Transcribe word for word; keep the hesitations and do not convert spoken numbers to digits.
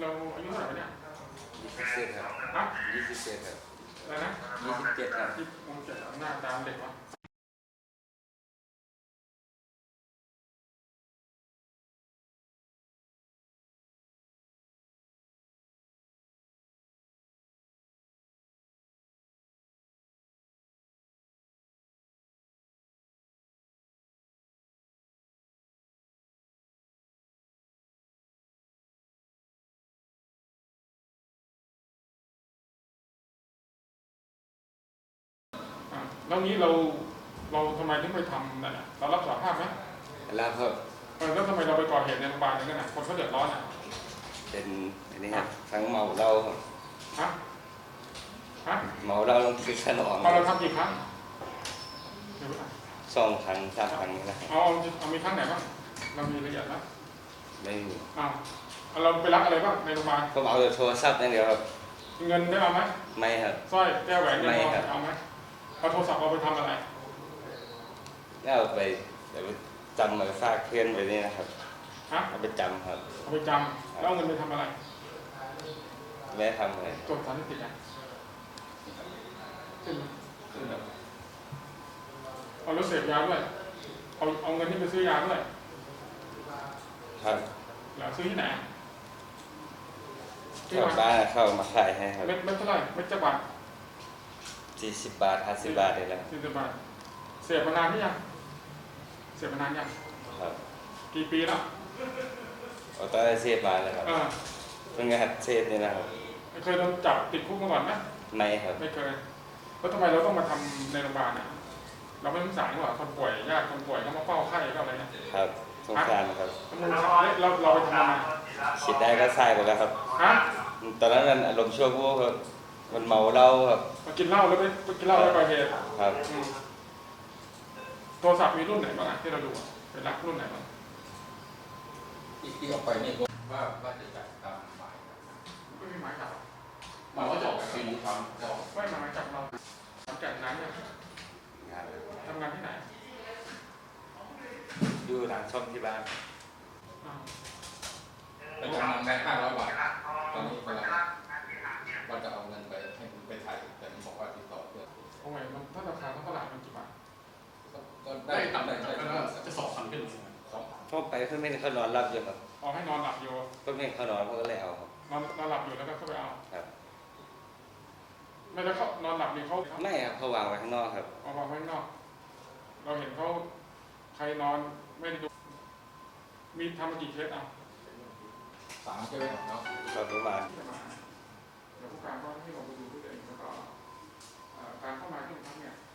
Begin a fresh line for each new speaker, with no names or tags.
เราอายุเท่าไหร่เนี่ย
ยี่สิบเจ็ดครับ
ฮะ
ยี่สิบเจ็ดครับ
อะไรนะ
ยี่สิบเจ็ดครับ
ที่มงเจ็ดหน้าตามเด็กวะแล้วนี้เราเราทำไมถึงไปทำนั่นอ่ะเรารับสารภาพไหม
แล้วครับ
เออแล้วทำไมเราไปก่อเหตุในโรงพยาบาลอย่างนั้นอ่ะคนเขาเดือดร้อนอ่ะ
เป็นอันนี้ครับทั้งเมาเหล้าครับ
ฮะฮะ
เมาเหล้าลงคือขนม
เราทำกี่ครั้ง
สองครั้งสามครั้งนี่นะ
เอาเอามีครั้งไหนบ้างเรามีละเอียดไหม
ไม่มี
อ้าวเราไปรักอะไรบ้างในโรงพยาบาล
ผมเอาแต่โทรศัพท์อย่างเดียวครับ
เงินได้เอาไหม
ไม่ครับ
สร้อยแก้วแหวนเงินทอง
ไม่ครับ
เอาไหมเอาโทรศัพท์เราไปทำอะไร
แล้วเอาไปเดี๋ยวไปจำมาฝากเพื่อนไปนี่นะครับ
ฮะ
เอาไปจำครับ
เอาไปจำแล้วเอาเงินไปทำอะไร
ไม่ทำอะไร
จดสารนิติอ่ะขึ้นขึ้นแบบเอารถเสพยาด้วยเอาเอาเงินที่ไปซื้อยาด้วย
ครับ
แล้วซื้อที่ไหน
ชาวบ้านเข้ามาขายให้ครับ
เม็ดเม็ดเท่าไหร่เม็ดจักรบาท
สี่สิบบาทห้าสิบบาทเลยแหละ
สี่สิบบาทเสพมานานหรือยังเสพมานานยัง
ครับ
กี่ปีแล้ว
เอาตอนได้เสพมาเลยครับเพิ่งหัดเสพนี่นะครับ
ไม่เคยโดนจับติดคุกมาก่อนไหม
ไม่ครับ
ไม่เคยแล้วทำไมเราต้องมาทำในโรงพยาบาลอ่ะเราไม่สงสารหรอคนป่วยญาติคนป่วยเขามาเฝ้าไข้ก็อะไรเนี่ย
ครับสงสารครับ
เราเราไปทำอะไร
คิดได้ก็ใส่ไปแล้วครับ
ฮะ
ตอนนั้นมันอารมณ์ชั่ววูบครับมันเมาเหล้าครับ
มากินเหล้าแล้วไปกินเหล้าแล้วไปเหตุ
ครับ
โทรศัพท์มีรุ่นไหนบ้างที่เราดูเป็นรักรุ่นไหนบ้าง
ที่ออกไปนี่ว่าว่าจะจัดตามหมาย
ไม่มีหมายจับ
หมายว่าจะออกไปสี่ครั้ง
ไม่หมายจับเราทำแก่นนั้นเนี่ยทำงานที่ไหน
อยู่หลังช่องที่บ้าน
ไปทำงานได้ห้าร้อยบาทตอนนี้กำลังว่าจะเอาเงินไปให้ไปไทยแต่มันบอกว่าติดต่อเพื่อน
โอ้ยมันถ้าราคาเท่าไหร่มันกี่บาท
ก็ได้ต่ำได้
จะสอบพันขึ้น
สอง
เข้าไปเพื่อนไม่เขานอนหลับอยู่ครับ
เอาให้นอนหลับอยู่
เพื่อนไม่เขานอนเขาก็เลยเอาครับ
นอนนอนหลับอยู่แล้วก็เข้าไปเอา
ครับ
ไม่แล้วเขานอนหลับนี่เขา
ไม่ครับเขาวางไว้ข้างนอกครับ
เอาวางไว้ข้างนอกเราเห็นเขาใครนอนไม่ได้ดูมีทำมากี่เคสอ่ะ
สามใช่ไหมเนาะ
ครับประมาณ
เดี๋ยวผู้การก็ให้เราไปดูด้วยเองแล้วก็การเข้ามาที่โรงพักเนี่ย